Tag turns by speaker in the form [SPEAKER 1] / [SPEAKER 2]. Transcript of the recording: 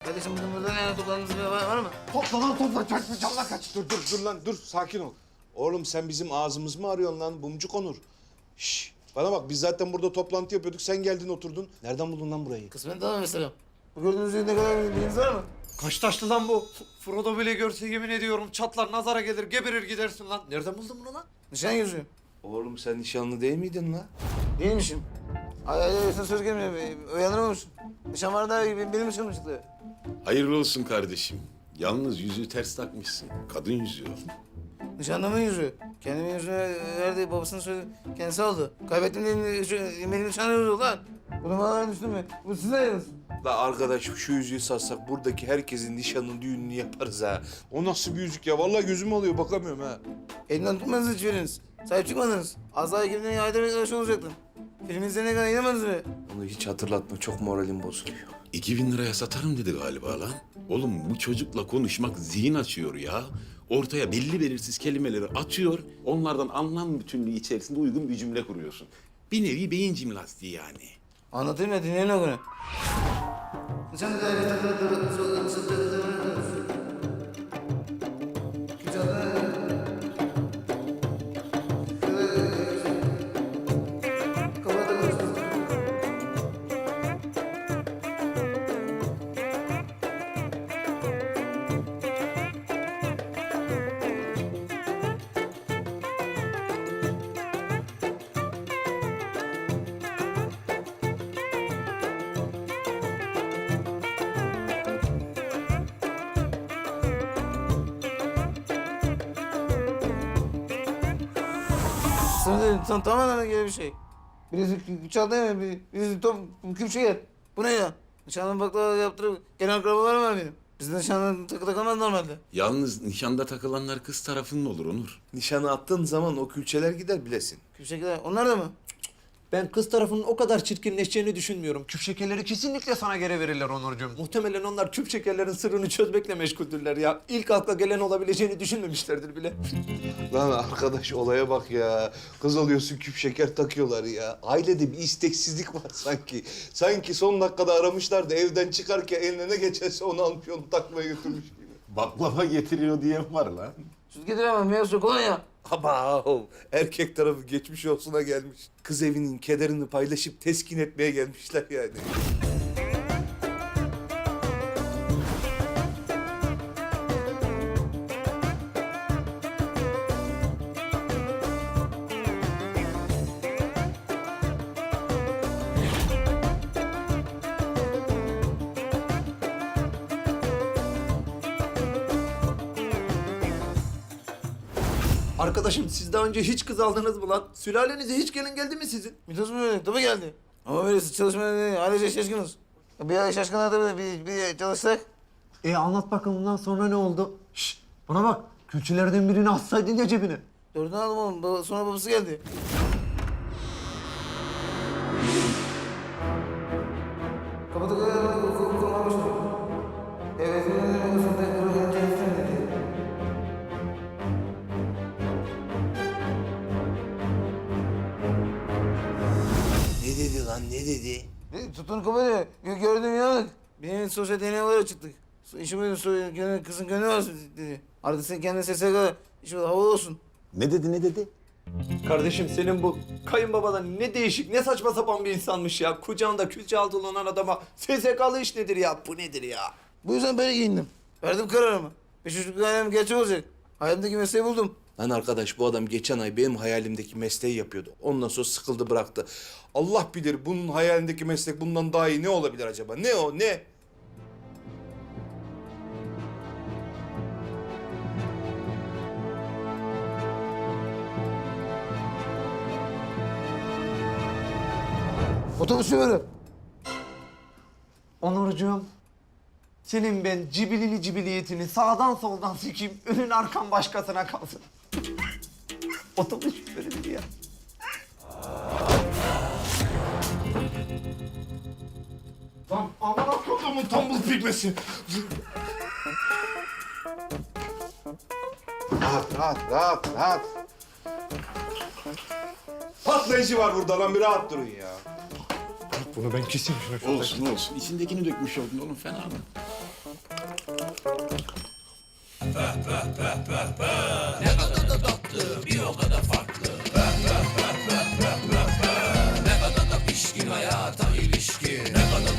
[SPEAKER 1] Kardeşim bugün burada yani toplandığınız bir var mı?
[SPEAKER 2] Topla lan topla. Canla kaç. Dur lan dur. Sakin ol. Oğlum sen bizim ağzımız mı arıyorsun lan? Bumcuk Onur. Şş, bana bak biz zaten burada toplantı yapıyorduk. Sen geldin oturdun. Nereden buldun lan burayı?
[SPEAKER 1] Kısmen tamam mesela. Bu gördüğünüz gibi ne kadar bilginiz var mı?
[SPEAKER 3] Kaç taşlı lan bu? Frodo bile görse yemin ediyorum çatlar, nazara gelir, geberir gidersin lan. Nereden buldun bunu lan?
[SPEAKER 1] Nişan yüzüğü.
[SPEAKER 2] Oğlum sen nişanlı değil miydin lan?
[SPEAKER 1] Değilmişim. Ay sen söz gelmiyor. Uyanırmamışsın. Nişan var da benim nişanım çıktı.
[SPEAKER 4] Hayırlı olsun kardeşim. Yalnız yüzüğü ters takmışsın. Kadın yüzüğü.
[SPEAKER 1] Nişanlımın yüzüğü. Kendimin yüzüğünü verdi, babasının söyledi. Kendisi aldı. Kaybettim diye benim nişanım yüzüğü lan. Bu numaralar düştü mü? Bu size yalnız.
[SPEAKER 2] La arkadaş şu yüzüğü satsak buradaki herkesin nişanını düğününü yaparız ha. O nasıl bir yüzük ya? Vallahi gözüm alıyor bakamıyorum ha.
[SPEAKER 1] Elinden tutmadınız hiçbiriniz. Sahip çıkmadınız. Az daha ekibine ayda bir arkadaş olacaktın. Film izlerine kadar inanmadınız mı?
[SPEAKER 2] Onu hiç hatırlatma. Çok moralim bozuluyor.
[SPEAKER 4] 2000 liraya satarım dedi galiba lan. Oğlum bu çocukla konuşmak zihin açıyor ya. Ortaya belli belirsiz kelimeleri atıyor. Onlardan anlam bütünlüğü içerisinde uygun bir cümle kuruyorsun. Bir nevi beyin jimnastiği yani.
[SPEAKER 1] Anlatayım da dinleyin o günü. Sınırda tamamen gibi bir şey. Birisi çaldı ya, birisi top küpçüger. Bu ne ya? Nişanlı baklava yaptırıp gelen akrabalarım var benim. Bizde nişanlı takı takamaz normalde.
[SPEAKER 4] Yalnız nişanda takılanlar kız tarafının olur Onur.
[SPEAKER 2] Nişanı attığın zaman o külçeler gider bilesin.
[SPEAKER 1] Küpçekiler, onlar da mı?
[SPEAKER 3] Ben kız tarafının o kadar çirkinleşeceğini düşünmüyorum. Küp şekerleri kesinlikle sana geri verirler Onurcuğum. Muhtemelen onlar küp şekerlerin sırrını çözmekle meşguldürler ya. İlk akla gelen olabileceğini düşünmemişlerdir bile.
[SPEAKER 2] Lan arkadaş olaya bak ya. Kız alıyorsun küp şeker takıyorlar ya. Ailede bir isteksizlik var sanki. Sanki son dakikada aramışlar da evden çıkarken eline ne geçerse onu almış onu takmaya götürmüş gibi.
[SPEAKER 4] Baklava getiriyor diyen var lan.
[SPEAKER 1] Süt getiremem, meyve suyu kolonya.
[SPEAKER 2] Ama erkek tarafı geçmiş olsuna gelmiş. Kız evinin kederini paylaşıp teskin etmeye gelmişler yani.
[SPEAKER 3] Arkadaşım siz daha önce hiç kız aldınız mı lan? Sülalenize hiç gelin geldi mi sizin?
[SPEAKER 1] Mitos mu öyle? Tabii geldi. Ama böyle çalışmaya değil, ailece şaşkınız. Bir ay şaşkınlar tabii, bir çalışsak.
[SPEAKER 3] Anlat bakalım bundan sonra ne oldu? Şşş bana bak. Külçelerden birini atsaydın ya cebine.
[SPEAKER 1] Dördünü aldım oğlum, sonra babası geldi. Kapıda kurmamıştım. Evet, babasını tekrar geleceğim dedi.
[SPEAKER 2] Ne dedi lan ne dedi?
[SPEAKER 1] Tutun kapıda, gördüm yanık. Benim sosyal deneyimlere çıktık. İşim buydu, kızın gönlü var dedi. Artık sen kendine sesle kadar, işim havalı olsun.
[SPEAKER 4] Ne dedi?
[SPEAKER 3] Kardeşim senin bu kayınbabadan ne değişik, ne saçma sapan bir insanmış ya. Kucağında külçe altı olan adama SSK'lı iş nedir ya? Bu nedir ya?
[SPEAKER 1] Bu yüzden böyle giyindim. Verdim kararımı. Beş çocuk hayalim gerçek olacak. Hayalimdeki mesleği buldum.
[SPEAKER 2] Lan arkadaş bu adam geçen ay benim hayalimdeki mesleği yapıyordu. Ondan sonra sıkıldı bıraktı. Allah bilir bunun hayalindeki meslek bundan daha iyi ne olabilir acaba? Ne o ne?
[SPEAKER 1] Otobüs şoförü.
[SPEAKER 3] Onurcuğum, senin ben cibilini cibiliyetini sağdan soldan sikeyim, önün arkan başkasına kalsın. Otobüs şoförüdür ya.
[SPEAKER 2] Lan aman akıllımın tombul pigmesi. Rahat. Patlayıcı var burada lan bir rahat durun ya.
[SPEAKER 3] Bunu ben keseyim şunu.
[SPEAKER 4] Olsun. İçindekini dökmüş oldun oğlum fena mı?
[SPEAKER 5] Ne kadar da tatlı, bir o kadar farklı.